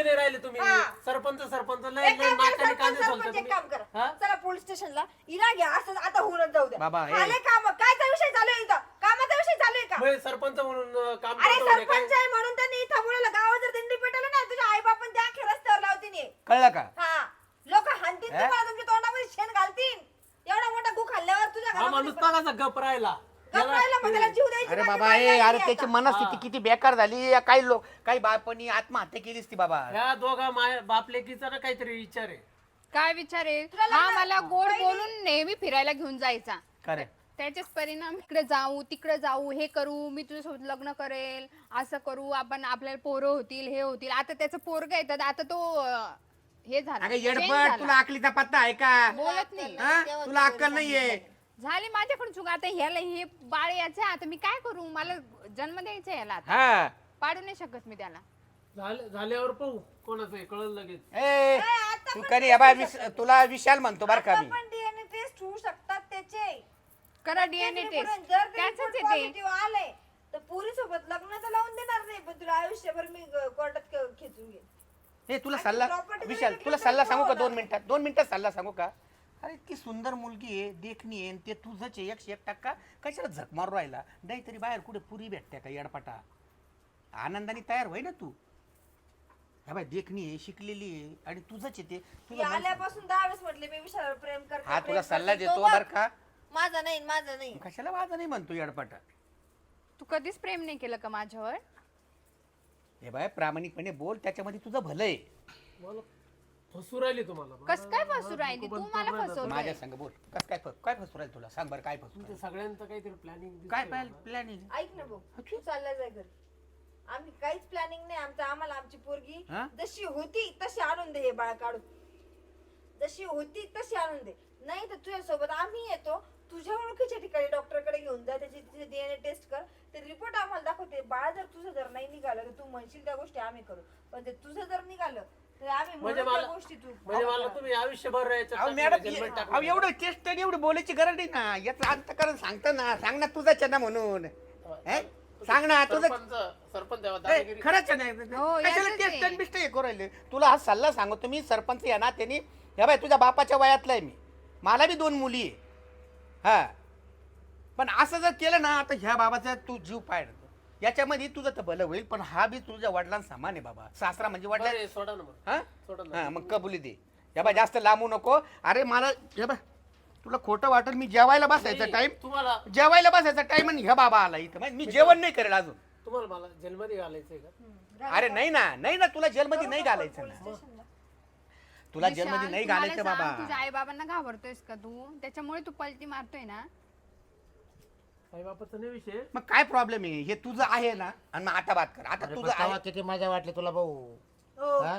Speaker 5: नाही राहिले तुम्ही
Speaker 4: हा.
Speaker 5: सरपंच सरपंच लय
Speaker 4: एक
Speaker 5: लय
Speaker 4: काम करा,
Speaker 5: नाकाने
Speaker 4: सरपंच,
Speaker 5: कांदे
Speaker 4: सरपंच,
Speaker 5: सोलता
Speaker 4: एक काम
Speaker 5: तुम्ही
Speaker 4: करा.
Speaker 5: हा?
Speaker 4: चला पोलीस स्टेशनला इला घ्या असं आता होऊनच जाऊ द्या
Speaker 3: बाबा, हे-
Speaker 4: झाले काम कायचा विषय चालू आहे इथं कामाचा विषय चालू आहे का
Speaker 5: म्हणजे सरपंच म्हणून अं, काम
Speaker 4: अरे
Speaker 5: करतो म्हणे काय
Speaker 4: सरपंच आहे म्हणून त्यांनी इथं मुलाला गावात जर दिंडी पेटवलं ना तुझ्या आई बापन त्या अख्ख्या रस्त्यावर लावतील
Speaker 3: कळलं का
Speaker 4: हा लोक हाणतील
Speaker 3: हे?
Speaker 4: तुम्हाला तुमच्या तोंडामध्ये शेण घालतील एवढा मोठा गु खाल्ल्यावर तुझ्या
Speaker 5: हा माणूस
Speaker 4: घरामध्ये
Speaker 5: बघायचा गप राहिला
Speaker 4: गप्पायला मग त्याला जीव द्यायची
Speaker 3: अरे
Speaker 4: माझी
Speaker 3: बाबा
Speaker 4: बाई
Speaker 3: ए
Speaker 4: लागली
Speaker 3: अरे
Speaker 4: आता.
Speaker 3: त्याची मनस्थिती किती बेकार झाली या काही लोक काही बापांनी आत्महत्या केलीच ती बाबा
Speaker 5: ह्या दोघा माय बापलेकीचा ना काहीतरी विचार आहे
Speaker 2: काय विचार आहे
Speaker 4: तुला
Speaker 2: हा
Speaker 4: लग्न-
Speaker 2: मला गोड
Speaker 4: पहिले-
Speaker 2: बोलून नेहमी फिरायला घेऊन जायचा
Speaker 3: खरे
Speaker 2: त्याचेच परिणाम इकडे जाऊ तिकडे जाऊ हे करू मी तुझ्यासोबत लग्न करेल असं करू आपण आपल्याला पोरं होतील हे होतील आता त्याचं पोरग येतात आता तो अं, हे झाला
Speaker 3: अगं
Speaker 2: change
Speaker 3: येडपट
Speaker 2: झाला.
Speaker 3: तुला अकलीचा पत्ता आहे का
Speaker 2: बोलत नाही
Speaker 3: हा? तुला अक्कल नाहीये
Speaker 2: झाली माझ्याकडून चुक आता ह्याला हे बाळ याचं आहे, आता मी काय करू मला जन्म द्यायचा आहे याला आता
Speaker 3: हा
Speaker 2: पाडू नाही शकत मी त्याला
Speaker 5: झाले झाल्यावर पाहू कोणाचं आहे कळलं लगेच
Speaker 3: ए
Speaker 4: आता
Speaker 3: तू
Speaker 4: पण
Speaker 3: कधी
Speaker 4: नाही
Speaker 3: बाबा
Speaker 4: करू
Speaker 3: विश-
Speaker 4: शकत.
Speaker 3: तुला विशाल म्हणतो बर का
Speaker 4: आता
Speaker 3: मी
Speaker 4: पण डीएनए टेस्ट होऊ शकतात त्याचे
Speaker 2: करा डीएनए
Speaker 4: तेच
Speaker 2: टेस्ट
Speaker 4: report- जर
Speaker 2: त्याच
Speaker 4: ते report
Speaker 2: येते
Speaker 4: positive आले तर पुरी सोबत लग्न तर लावून देणार नाही पण तुला आयुष्यभर मी कोर्टात खेचून घेईन
Speaker 3: ए तुला
Speaker 4: आणि
Speaker 3: सल्ला
Speaker 4: property
Speaker 3: विशाल
Speaker 4: जरी
Speaker 3: तुला
Speaker 4: घेतलं
Speaker 3: सल्ला
Speaker 4: तर
Speaker 3: सांगू का
Speaker 4: होणार.
Speaker 3: दोन मिनिटात दोन मिनिटात सल्ला सांगू का अरे इतकी सुंदर मुलगी आहे देखणी आहे आणि ते तुझंच आहे एकशे एक टक्का कशाला झक मारू राहिला नाही तरी बाहेर कुठे पुरी भेटते का येडपाटा आनंदाने तयार होय ना तू हा बाय देखणी आहे शिकलेली आहे आणि तुझंच आहे ते
Speaker 4: मी
Speaker 3: तुला मन-
Speaker 4: आल्यापासून दहा वेळेस म्हटले मी विषयावर प्रेम करते
Speaker 3: हा
Speaker 4: प्रेम
Speaker 3: तुला सल्ला
Speaker 4: करते. तो
Speaker 3: देतो
Speaker 4: बघ,
Speaker 3: बर का
Speaker 4: माझा नाही माझा नाही
Speaker 3: कशाला वाजा नाही म्हणतो येडपाटा
Speaker 2: तू कधीच प्रेम नाही केलं का माझ्यावर
Speaker 3: हे बाय प्रामाणिकपणे बोल त्याच्यामध्ये तुझं भलं आहे
Speaker 5: मला फसू राहिली तुम्हाला
Speaker 2: कस काय फसू राहिली तू मला फसवतोय
Speaker 3: माझ्या संग बोल कस काय फ- काय फसू राहील तुला सांग बरं काय फसू
Speaker 5: तुमच्या
Speaker 3: राहिलं?
Speaker 5: सगळ्यांचं काहीतरी प्लॅनिंग
Speaker 3: काय प्लॅनिंग
Speaker 4: ऐक ना भाऊ तू चालला जाय घरी आम्ही काहीच प्लॅनिंग नाही आमचं आम्हाला आमची पोरगी
Speaker 3: हा?
Speaker 4: जशी होती तशी आणून दे हे बाळ काढून जशी होती तशी आणून दे नाही तर तुझ्या सोबत आम्ही येतो तुझ्या ओळखीच्या ठिकाणी डॉक्टरकडे घेऊन जा त्याची डीएनए टेस्ट कर ते रिपोर्ट आम्हाला दाखवते बाळ जर तुझं जर नाही निघालं तर तू म्हणशील त्या गोष्टी आम्ही करू पण ते तुझं जर निघालं तर आम्ही
Speaker 5: म्हणजे
Speaker 4: म्हणू त्या
Speaker 5: मला
Speaker 4: गोष्टी तू
Speaker 5: म्हणजे मला तुम्ही आयुष्यभर याच्यात
Speaker 3: अहो
Speaker 5: टाकलं,
Speaker 3: मॅडम
Speaker 5: जन्मात
Speaker 3: अहो
Speaker 5: टाकलं.
Speaker 3: एवढं टेस्ट एवढी बोलायची गरज नाही ना याचं अंतकरण सांगता ना सांग ना तुझा चना म्हणून हे? सांग ना तुझं
Speaker 5: सरपंच सरपंच द्यावा
Speaker 3: ए,
Speaker 5: दादागिरी
Speaker 3: खरंच आहे
Speaker 2: हो,
Speaker 3: ना कशाला
Speaker 2: याचंच
Speaker 3: टेस्ट
Speaker 2: आहे.
Speaker 3: आणि बिस्ट हे करू राहिले तुला हा सल्ला सांगतो मी सरपंच या ना त्यांनी हे बाय तुझ्या बापाच्या वयातला आहे मी मला बी दोन मुली आहे हा पण असं जर केलं ना आता ह्या बाबाचा तू जीव पाय याच्यामध्ये तुझं तर भलं होईल पण हा बी तुझ्या वडिलांना समान आहे बाबा सासरा म्हणजे वडिला
Speaker 5: बरं, सोडा ना मग
Speaker 3: हा
Speaker 5: सोडा ना
Speaker 3: हा मग कबुली दे या बा जास्त लांबू नको अरे मला हे बा तुला खोटं वाटेल मी जेवायला बसायचा
Speaker 5: नाही,
Speaker 3: टाइम
Speaker 5: तुम्हाला
Speaker 3: जेवायला बसायचा टाइम आणि ह्या बाबा आला इथं माहिती, मी जेवण नाही करेल अजून
Speaker 5: तुम्हाला मला जेलमध्ये घालायचंय का
Speaker 3: अरे नाही ना नाही ना तुला जेलमध्ये नाही घालायचं
Speaker 4: पोलीस
Speaker 3: ना
Speaker 4: स्टेशनला.
Speaker 3: तुला
Speaker 2: विशाल,
Speaker 3: जेलमध्ये नाही
Speaker 2: तू मला
Speaker 3: घालायचं
Speaker 2: सांग,
Speaker 3: बाबा
Speaker 2: तुझ्या आई बाबांना घाबरतोयस का तू त्याच्यामुळे तू पलटी मारतोय ना
Speaker 5: आई बापाचा नाही विषय
Speaker 3: मग काय प्रॉब्लेम आहे हे तुझं आहे ना आणि मग आता बात कर आता
Speaker 1: अरे
Speaker 3: तुझं
Speaker 1: पण तेव्हा
Speaker 3: आहे
Speaker 1: किती मजा वाटली तुला भाऊ
Speaker 4: हो
Speaker 1: हा?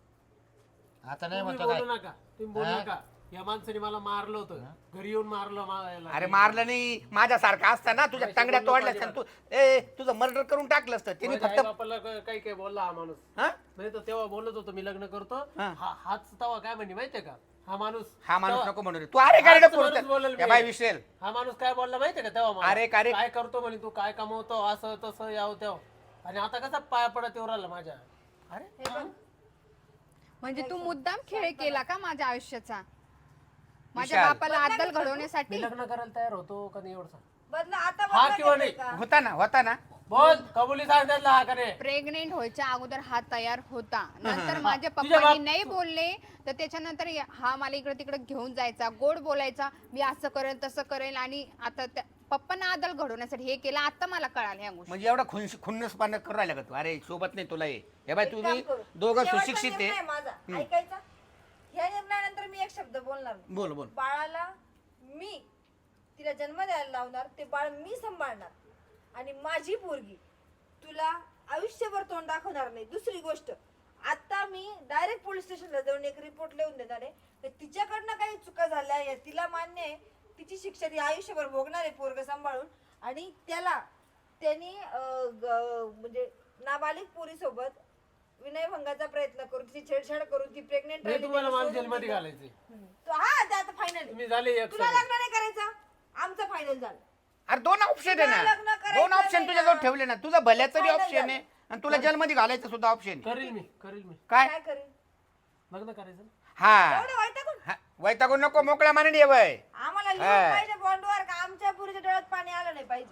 Speaker 1: आता नाही
Speaker 5: तुम्ही
Speaker 1: म्हणतो काय
Speaker 5: बोलू नका तुम्ही बोलू
Speaker 1: हा?
Speaker 5: नका या माणसाने मला मारलं होतं घरी येऊन मारलं मला
Speaker 3: अरे मारलं नाही माझ्यासारखा असता ना तुझ्या
Speaker 5: पैसे
Speaker 3: तंगड्या
Speaker 5: बोललो
Speaker 3: तोडल्या
Speaker 5: पाहिजे
Speaker 3: तू ए तुझं मर्डर करून टाकलं असतं तिने
Speaker 5: माझ्या
Speaker 3: फक्त
Speaker 5: आईबापाला क- काही काही बोलला हा माणूस
Speaker 3: हा
Speaker 5: नाही तर तेव्हा बोलत होतो मी लग्न करतो
Speaker 3: हा.
Speaker 5: हा हाच तेव्हा काय म्हणे माहितीये का हा माणूस
Speaker 3: हा माणूस
Speaker 5: तेव्हा-
Speaker 3: नको म्हणू रे तू अरे
Speaker 5: हाच
Speaker 3: काय
Speaker 5: माणूस बोलेल मी.
Speaker 3: बाय विसरेल
Speaker 5: हा माणूस काय बोलला माहितीये का तेव्हा मला?
Speaker 3: अरे, का रे?
Speaker 5: काय करतो म्हणे तू काय कमवतो असं तसं याव तेव्हा आणि आता कसा पाया पडत येऊ राहिला माझ्या
Speaker 3: अरे
Speaker 4: हे बघ,
Speaker 2: म्हणजे तू मुद्दाम खेळ केला का माझ्या आयुष्याचा माझया
Speaker 3: विशाल.
Speaker 2: बापाला अद्दल घडवण्यासाठी
Speaker 5: मी लग्न करायला तयार होतो का नाही एवढं सांग
Speaker 4: बदला आता
Speaker 5: हा
Speaker 4: बदला
Speaker 5: किंवा
Speaker 4: घेतोय
Speaker 5: नाही?
Speaker 4: का?
Speaker 3: होता ना होता ना
Speaker 5: बोल कबुली सांग त्यातला हा का रे
Speaker 2: प्रेग्नेंट व्हायच्या अगोदर हा तयार होता नंतर माझ्या
Speaker 5: तुझ्या
Speaker 2: पप्पांनी
Speaker 5: बाप-
Speaker 2: नाही बोलले तर त्याच्यानंतर या- हा मला इकडे तिकडे घेऊन जायचा गोड बोलायचा मी असं करेल तसं करेल आणि आता त्या- पप्पांना आदल घडवण्यासाठी हे केलं आता मला कळालं ह्या गोष्टी
Speaker 3: म्हणजे एवढा खुन्स खुन्नसपणा करू राहिला का तू अरे सोबत नाही तुला हे हे बाय
Speaker 4: एक
Speaker 3: तुम्ही
Speaker 4: काम करू.
Speaker 3: दोघं
Speaker 4: शेवटचा
Speaker 3: सुशिक्षित
Speaker 4: निर्णय
Speaker 3: आहे
Speaker 4: माझा
Speaker 3: हम्म.
Speaker 4: ऐकायचा ह्या निर्णयानंतर मी एक शब्द बोलणार नाही.
Speaker 3: बोल बोल
Speaker 4: बाळाला मी तिला जन्म द्यायला लावणार ते बाळ मी सांभाळणार आणि माझी पोरगी तुला आयुष्यभर तोंड दाखवणार नाही दुसरी गोष्ट आता मी डायरेक्ट पोलीस स्टेशनला जाऊन एक रिपोर्ट लिहून देणार आहे तर तिच्याकडनं काही चुका झाल्या या तिला मान्य आहे तिची शिक्षा ती आयुष्यभर भोगणार आहे पोरग सांभाळून आणि त्याला त्यांनी अं, ग- म्हणजे नाबालिक पोरीसोबत विनयभंगाचा प्रयत्न करून तिची छेडछाड करून ती प्रेग्नेंट
Speaker 5: नाही तुम्हाला मला जेलमध्ये घालायचे
Speaker 4: हा ते आता फायनल
Speaker 5: तुम्ही झाले एक
Speaker 4: तुला
Speaker 5: सगळे.
Speaker 4: लग्न नाही करायचं आमचं फायनल झालं
Speaker 3: अरे दोन ऑप्शन आहे
Speaker 4: तुला
Speaker 3: ना
Speaker 4: लग्न करायचं
Speaker 3: दोन ऑप्शन
Speaker 4: नाही
Speaker 3: तुझ्याजवळ
Speaker 4: ना.
Speaker 3: ठेवले ना तुझा भल्याचं बी
Speaker 4: Final
Speaker 3: ऑप्शन
Speaker 4: झालं.
Speaker 3: आहे आणि तुला जेलमध्ये घालायचं सुद्धा ऑप्शन
Speaker 5: करील मी करील मी
Speaker 3: काय
Speaker 4: काय करेल
Speaker 5: लग्न करायचं ना.
Speaker 3: हा
Speaker 4: एवढं वैतागून
Speaker 3: हा, वैतागून नको मोकळ्या मानाने ये वय
Speaker 4: आम्हाला लिहून
Speaker 3: हा.
Speaker 4: पाहिजे बॉन्डवर का आमच्या पुरीच्या डोळ्यात पाणी आलं नाही पाहिजे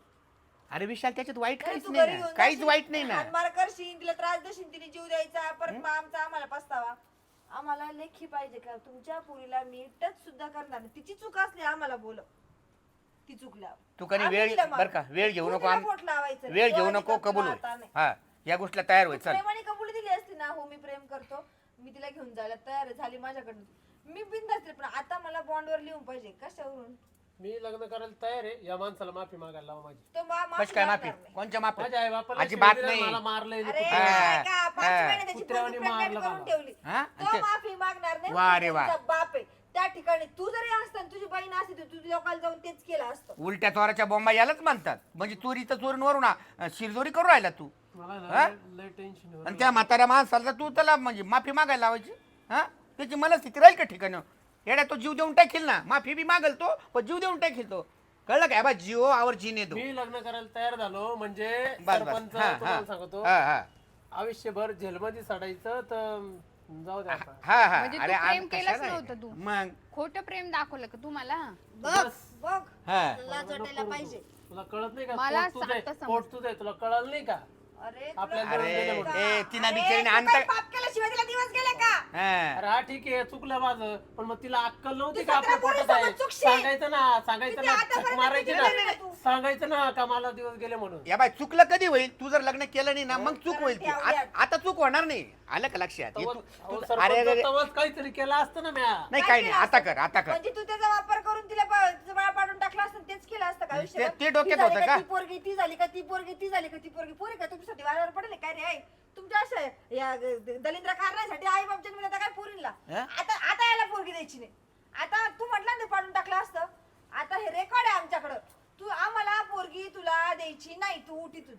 Speaker 3: अरे विशाल त्याच्यात वाईट
Speaker 4: नाही,
Speaker 3: काहीच
Speaker 4: तू
Speaker 3: नाही
Speaker 4: घरी
Speaker 3: ना
Speaker 4: घेऊन
Speaker 3: काहीच
Speaker 4: जाशील,
Speaker 3: वाईट नाही ना
Speaker 4: हाणमार करशील तिला त्रास देशील तिने जीव द्यायचा परत मग आमचा आम्हाला पस्तावा आम्हाला लेखी पाहिजे का तुमच्या पुरीला मी टच सुद्धा करणार नाही. तिची चूक असली आम्हाला बोल ती चुकल्या
Speaker 3: तू कधी वेळ बर का वेळ घेऊ नको आम-
Speaker 4: लावायचं
Speaker 3: वेळ घेऊ नको कबूल होय हा या गोष्टीला तयार होय चल
Speaker 4: प्रेमाने कबूल दिली असती ना हो मी प्रेम करतो मी तिला घेऊन जायला तयार आहे, झाली माझ्याकडनं मी बिंदास पण आता मला बॉन्डवर लिहून पाहिजे कशावरून
Speaker 5: मी लग्न करायला तयार आहे या माणसाला माफी मागायला लावा माझी
Speaker 4: तो मा- माफी
Speaker 3: कश काय माफी
Speaker 4: मागणार नाही.
Speaker 3: कोणच्या माफी
Speaker 5: माझ्या आई बापाला
Speaker 3: अजिबात
Speaker 5: शिव्या दिल्या,
Speaker 3: नाही.
Speaker 5: मला मारलंय
Speaker 4: अरे
Speaker 3: हा,
Speaker 4: काय का, पाच
Speaker 3: हा.
Speaker 4: महिने त्याची
Speaker 5: कुत्र्यावानी
Speaker 4: पोरगी pregnant
Speaker 5: मारलं
Speaker 4: करून
Speaker 5: मला.
Speaker 4: ठेवली
Speaker 3: हा?
Speaker 4: तो
Speaker 3: आणि ते-
Speaker 4: माफी मागणार नाही
Speaker 3: वा रे वा.
Speaker 4: तुझा बाप आहे त्या ठिकाणी तू जरी असता आणि तुझी बहीण असती तर तुझ्या लोकांना जाऊन तेच केलं असतं
Speaker 3: उलट्या चोराच्या बॉम्बा यालाच म्हणतात म्हणजे चोरीचं चोरीवरून आ- शिरजोरी करू राहिला तू
Speaker 5: मला
Speaker 3: हा?
Speaker 5: ना लय टेन्शन
Speaker 3: आणि त्या म्हाताऱ्या माणसाला तू त्याला म्हणजे माफी मागायला लावायची हा त्याची मला स्थिती राहील का ठिकाण येड्या तो जीव देऊन टाकील ना माफी बी मागल तो पण जीव देऊन टाकील तो कळलं काय बा जीव आवर जीने तो
Speaker 5: मी लग्न करायला तयार झालो म्हणजे
Speaker 3: बस बस
Speaker 5: सरपंच
Speaker 3: हा
Speaker 5: तुम्हाला
Speaker 3: हा
Speaker 5: सांगतो
Speaker 3: हा हा
Speaker 5: आयुष्यभर जेलमध्ये सडायचं तर जाऊ द्या आता.
Speaker 3: हा हा
Speaker 2: म्हणजे तू
Speaker 3: अरे
Speaker 2: प्रेम
Speaker 3: आम-
Speaker 2: केलंच
Speaker 3: कशाला
Speaker 2: नव्हतं तू.
Speaker 3: आहे? मग
Speaker 2: खोटं प्रेम दाखवलं का तुम्हाला
Speaker 4: बघ बघ
Speaker 3: हा
Speaker 4: लाज वाटायला पाहिजे
Speaker 5: तुला कळत नाही का
Speaker 2: मला
Speaker 5: पोट तुझं आहे,
Speaker 2: आता समजलं.
Speaker 5: पोट तुझं आहे तुला कळलं नाही का
Speaker 4: अरे
Speaker 5: आपल्याला
Speaker 4: तुला
Speaker 5: दिवस
Speaker 3: अरे
Speaker 5: गेले म्हणून.
Speaker 3: ए तिना
Speaker 4: अरे,
Speaker 3: बिचारीने
Speaker 4: तू
Speaker 3: आणता
Speaker 4: काही पाप केल्याशिवाय तिला दिवस गेले का
Speaker 3: हा.
Speaker 5: अरे हा ठीक आहे चुकलं माझं पण मग तिला अक्कल नव्हती
Speaker 4: तू
Speaker 5: का आपल्या
Speaker 4: सतरा
Speaker 5: पोटात
Speaker 4: पोरीसोबत
Speaker 5: आहे
Speaker 4: चुकशील.
Speaker 5: सांगायचं ना सांगायचं
Speaker 4: किती
Speaker 5: ना
Speaker 4: आतापर्यंत
Speaker 5: झक मारायची
Speaker 4: किती केलेलं
Speaker 5: ना
Speaker 4: आहे तू?
Speaker 5: सांगायचं ना का मला दिवस गेले म्हणून
Speaker 3: या बाय चुकलं कधी होईल तू जर लग्न केलं नाही ना मग चूक
Speaker 4: कारण
Speaker 3: होईल ती.
Speaker 4: ठेवल्यात.
Speaker 3: आ- आता चूक होणार नाही आलं का लक्षात हे
Speaker 5: तवच-
Speaker 3: तू-
Speaker 5: अहो,
Speaker 3: तू-
Speaker 5: सरपंच
Speaker 3: अरे अरे
Speaker 5: तवच काहीतरी केलं असतं ना म्या
Speaker 3: नाही
Speaker 4: काय
Speaker 3: काही नाही
Speaker 4: केलं
Speaker 3: आता
Speaker 4: असतं?
Speaker 3: कर आता कर
Speaker 4: म्हणजे तू त्याचा वापर करून तिला प- तिचं बाळ पाडून टाकलं असतं तेच केलं असतं का आयुष्यभर?
Speaker 3: ते- ते डोक्यात
Speaker 4: ती झाली
Speaker 3: होतं का?
Speaker 4: ती पोरगी ती झाली का ती पोरगी ती झाली का ती पोरगी पोरी का तुमच्यासाठी वाऱ्यावर पडले काय रे आई तुमच्या अशा या ग- दलिंद्र कारणासाठी आई बाप जन्मला आता काय पोरींला
Speaker 3: हा?
Speaker 4: आता आता याला पोरगी द्यायची नाही आता तू म्हटलं ना पाडून टाकलं असतं आता हे रेकॉर्ड आहे आमच्याकडं तू आम्हाला पोरगी तुला द्यायची नाही तू उठीतून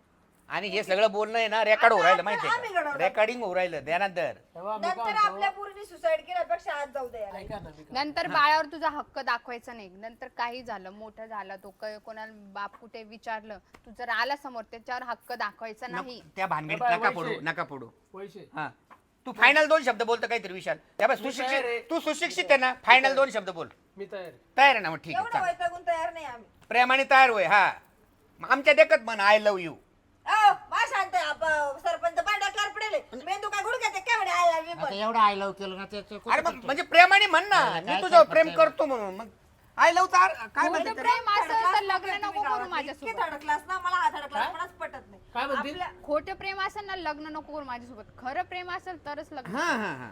Speaker 3: आणि हे सगळं बोलणं आहे ना रेकॉर्ड होऊ राहिलं माहितीये
Speaker 4: आम्ही
Speaker 3: का
Speaker 4: घडवलं.
Speaker 3: रेकॉर्डिंग होऊ राहिलं ध्यानात धर
Speaker 5: तेव्हा मी
Speaker 4: नंतर
Speaker 5: काय
Speaker 4: आपल्या
Speaker 5: म्हणतो,
Speaker 4: पोरीने सुसाईड केल्यापेक्षा आज जाऊ द्या याला.
Speaker 5: ऐका ना मी काय-
Speaker 2: नंतर बाळावर तुझा हक्क दाखवायचा नाही नंतर काही झालं मोठं झालं तो क- कोणाला बाप कुठे विचारलं तू जर आला समोर त्याच्यावर हक्क दाखवायचा नाही
Speaker 3: नको- त्या भानगडीत
Speaker 5: बाय,
Speaker 3: नका
Speaker 5: वैशे.
Speaker 3: पडू नका पडू
Speaker 5: पैसे
Speaker 3: हा तू फायनल दोन शब्द बोलतो काहीतरी विशाल त्या बाय
Speaker 5: मी तयार
Speaker 3: सुशिक्षित
Speaker 5: आहे.
Speaker 3: तू सुशिक्षित आहे ना फायनल दोन शब्द बोल
Speaker 5: मी तयार आहे.
Speaker 3: तयार आहे ना मग ठीक आहे
Speaker 4: एवढं
Speaker 3: चालेल.
Speaker 4: वैतागून तयार नाही आम्ही
Speaker 3: प्रेमाने तयार होय हा मग आमच्या देखत म्हण आय लव्ह यू
Speaker 4: अहो, मा शांत आहे, आप- सरपंच पांढरा पडेल मेंदू काय गुडघ्याचे काय म्हणे आय लव्ह यू
Speaker 1: आता एवढं आय लव्ह केलं ना त्याचं
Speaker 3: अरे
Speaker 1: कुठं
Speaker 3: मग
Speaker 1: करतो?
Speaker 3: म्हणजे प्रेमाने म्हण ना
Speaker 1: काय-
Speaker 3: मी
Speaker 1: काय
Speaker 3: तुझ्यावर
Speaker 1: काय
Speaker 3: प्रेम
Speaker 1: करतोय?
Speaker 3: करतो म्हणून मग आय लव्ह काय
Speaker 2: खोटं
Speaker 3: म्हणते
Speaker 2: प्रेम असेल तर लग्न नको करू
Speaker 4: इतके
Speaker 2: माझ्यासोबत
Speaker 4: थर्ड क्लास ना मला हा थर्ड क्लास
Speaker 5: काय?
Speaker 4: पणच पटत नाही
Speaker 5: काय म्हणते?
Speaker 4: आपल्या-
Speaker 2: खोटं प्रेम असेल ना लग्न नको करू माझ्यासोबत खरं प्रेम असेल तरच लग्न
Speaker 3: हा हा हा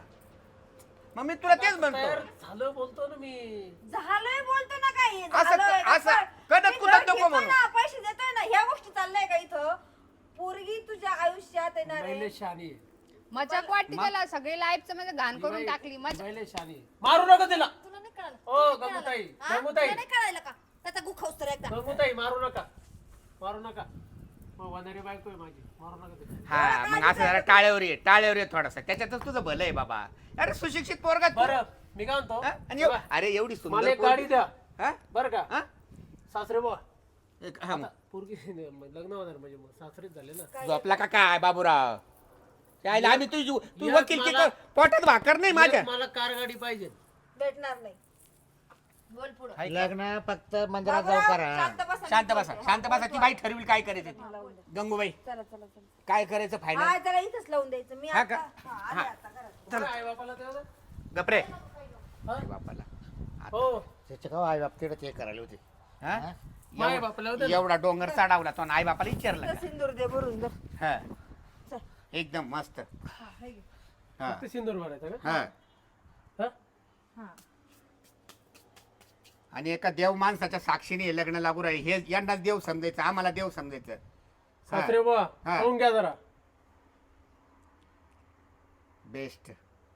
Speaker 3: मग मी तुला तेच
Speaker 5: तयार
Speaker 3: म्हणतो
Speaker 5: झालं बोलतो ना मी
Speaker 4: झालंय बोलतो ना काही
Speaker 3: असं-
Speaker 4: झालंय का?
Speaker 3: असं
Speaker 4: पण
Speaker 3: कडक
Speaker 4: मी
Speaker 3: कुदत
Speaker 4: घर
Speaker 3: नको
Speaker 4: घेतोय
Speaker 3: म्हणू.
Speaker 4: ना, पैसे देतोय ना ह्या गोष्टी चाललंय का इथं पोरगी तुझ्या आयुष्यात येणार आहे
Speaker 5: पहिले शानी आहे.
Speaker 2: मजाक वाटते त्याला सगळे लाईफचं म्हणजे घाण
Speaker 5: ही
Speaker 2: करून
Speaker 5: बाई-
Speaker 2: टाकली
Speaker 5: ही
Speaker 2: मजा
Speaker 5: बाईले शानी आहे. मारू नका तिला
Speaker 4: तुला नाही कळालं
Speaker 5: ओ,
Speaker 4: तुला नाही
Speaker 5: गंगूताई,
Speaker 4: कळालं? हा?
Speaker 5: गंगूताई.
Speaker 4: तुला नाही कळायला का त्याचा गुखावस तर एकदा
Speaker 5: गंगूताई मारू नका मारू नका मग वनारी बायको आहे माझी मारू नका तिला
Speaker 3: हा मग असं जरा टाळ्यावर ये टाळ्यावर ये थोडासा त्याच्यातच तुझं भलं आहे बाबा अरे सुशिक्षित पोरगा तू.
Speaker 5: बरं मी काय म्हणतो
Speaker 3: हा? आणि एव-
Speaker 5: बघा,
Speaker 3: अरे एवढी
Speaker 5: मला
Speaker 3: सुंदर
Speaker 5: एक गाडी
Speaker 3: पोरगी.
Speaker 5: द्या
Speaker 3: हा?
Speaker 5: बरं का
Speaker 3: हा?
Speaker 5: सासरे बुवा
Speaker 3: एक- हा मग.
Speaker 5: पोरगी लग्न होणार म्हणजे मग सासरेच झाले ना
Speaker 3: झोपला का काय बाबूराव त्याला आम्ही तुझी तू
Speaker 5: एक
Speaker 3: वकील की
Speaker 5: मला-
Speaker 3: कर- पोटात भाकर नाही माझ्या
Speaker 5: एक मला कार गाडी पाहिजे
Speaker 4: भेटणार नाही बोल पुढं
Speaker 3: हाय का?
Speaker 1: लग्न फक्त मंदिरात जाऊ
Speaker 4: बाबूराव,
Speaker 1: करा
Speaker 4: शांत बसा
Speaker 3: शांत बसा शांत बसा ती बाई ठरविल काय करायचं ते.
Speaker 4: लावून द्या.
Speaker 3: गंगूबाई
Speaker 4: चला चला चला
Speaker 3: काय करायचं फायनल
Speaker 4: हा जरा इथंच लावून द्यायचं मी
Speaker 3: हा
Speaker 4: आता
Speaker 3: का?
Speaker 4: हा, आले
Speaker 3: हा.
Speaker 4: आता घरात.
Speaker 5: आई बापाला तेवढं
Speaker 3: गपरे
Speaker 5: हा?
Speaker 3: बापाला
Speaker 5: हो
Speaker 1: त्याचे का आई बाप तिकडे ते करायला होते
Speaker 3: हा?
Speaker 1: हा?
Speaker 5: माय
Speaker 3: एवढा-
Speaker 5: बापाला होतं ना.
Speaker 3: एवढा डोंगर चढावला तो आई बापाला विचारला
Speaker 4: इथं
Speaker 3: का?
Speaker 4: सिंदूर दे भरून दे
Speaker 3: हा
Speaker 4: चल.
Speaker 3: एकदम मस्त
Speaker 4: हा, हे घे.
Speaker 3: हा
Speaker 5: फक्त सिंदूर भरायचा का
Speaker 3: हा
Speaker 5: हा?
Speaker 4: हा.
Speaker 3: आणि एका देव माणसाच्या साक्षीने हे लग्न लागू राहील हे यांनाच देव समजायचं आम्हाला देव समजायचं
Speaker 5: सासरे बुवा
Speaker 3: हा.
Speaker 5: खाऊन घ्या जरा
Speaker 3: बेस्ट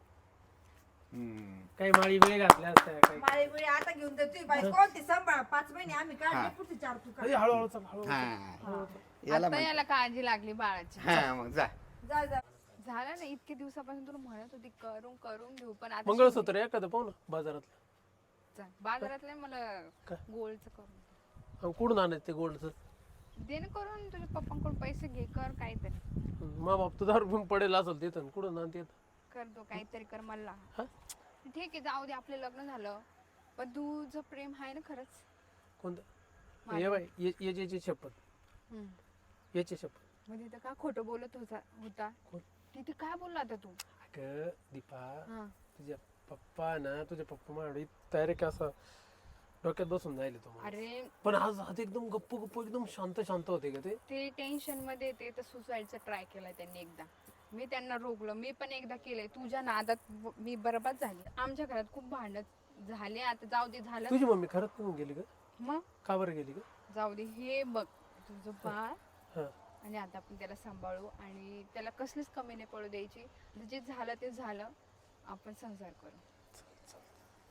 Speaker 5: काही माळी वेळ घातल्या असत्या काही
Speaker 4: माळे बिळे आता घेऊन दे तुझी बाई कोणती सांभाळ पाच महिने आम्ही
Speaker 3: हा.
Speaker 4: काढले पुढचे चार तू काढ.
Speaker 5: अरे, हळूहळू चल हळूहळू
Speaker 3: हा
Speaker 4: हा.
Speaker 3: याला
Speaker 2: आता
Speaker 3: म्हण-
Speaker 2: याला काळजी लागली बाळाची
Speaker 3: हा मग जा
Speaker 4: जा जा
Speaker 2: झालं ना इतके दिवसापासून तुला म्हणत होती करून करून घेऊ पण आता
Speaker 5: मंगळसूत्र आहे एखादं पाहू ना बाजारातलं
Speaker 2: चल, बाजारातले मला
Speaker 5: काय?
Speaker 2: गोल्डचं करून दे.
Speaker 5: अहो, कुठून आणायचं ते गोल्डचं
Speaker 2: दे ना करून तुझ्या पप्पांकडून पैसे घे कर काहीतरी
Speaker 5: मा बाप तुझा रुपये पडेल असेल तिथं कुठं ना तिथं
Speaker 2: कर दो काहीतरी कर मला
Speaker 5: हा?
Speaker 2: ठीक आहे जाऊ दे आपलं लग्न झालं पण तुझं प्रेम आहे ना खरंच
Speaker 5: कोणतं ये बाय ये ये- याची शपथ
Speaker 2: हम्म.
Speaker 5: याची शपथ
Speaker 2: मग तिथं का खोटं बोलत होता होता
Speaker 5: कोण?
Speaker 2: तिथे काय बोलला आता तू
Speaker 5: अगं दीपा
Speaker 2: हा
Speaker 5: तुझ्या पप्पा ना तुझे पप्पा माझ्या डायरेक्ट असं डोक्यात बसून जायले तुम्हाला
Speaker 2: अरे
Speaker 5: पण आज आज एकदम गप्प गप्प एकदम शांत शांत होते का ते
Speaker 2: ते टेन्शन मध्ये ते तर सुसाईडचा ट्राय केलाय त्यांनी एकदा मी त्यांना रोखलं मी पण एकदा केलंय तुझ्या नादात ब- मी बरबाद झाली आमच्या घरात खूप भांडण झाले आता जाऊ दे झालं
Speaker 5: तुझी मम्मी खरंच निघून गेली का
Speaker 2: मग
Speaker 5: का बरं गेली का
Speaker 2: जाऊ दे हे बघ तुझं बाळ
Speaker 5: हा
Speaker 2: आणि आता आपण त्याला सांभाळू आणि त्याला कसलीच कमी नाही पडू द्यायची जे झालं ते झालं आपण संसार करू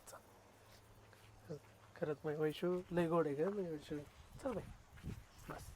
Speaker 5: खरंच माझी वैशू लय गोड आहे का माझी वैशू चल बाई बस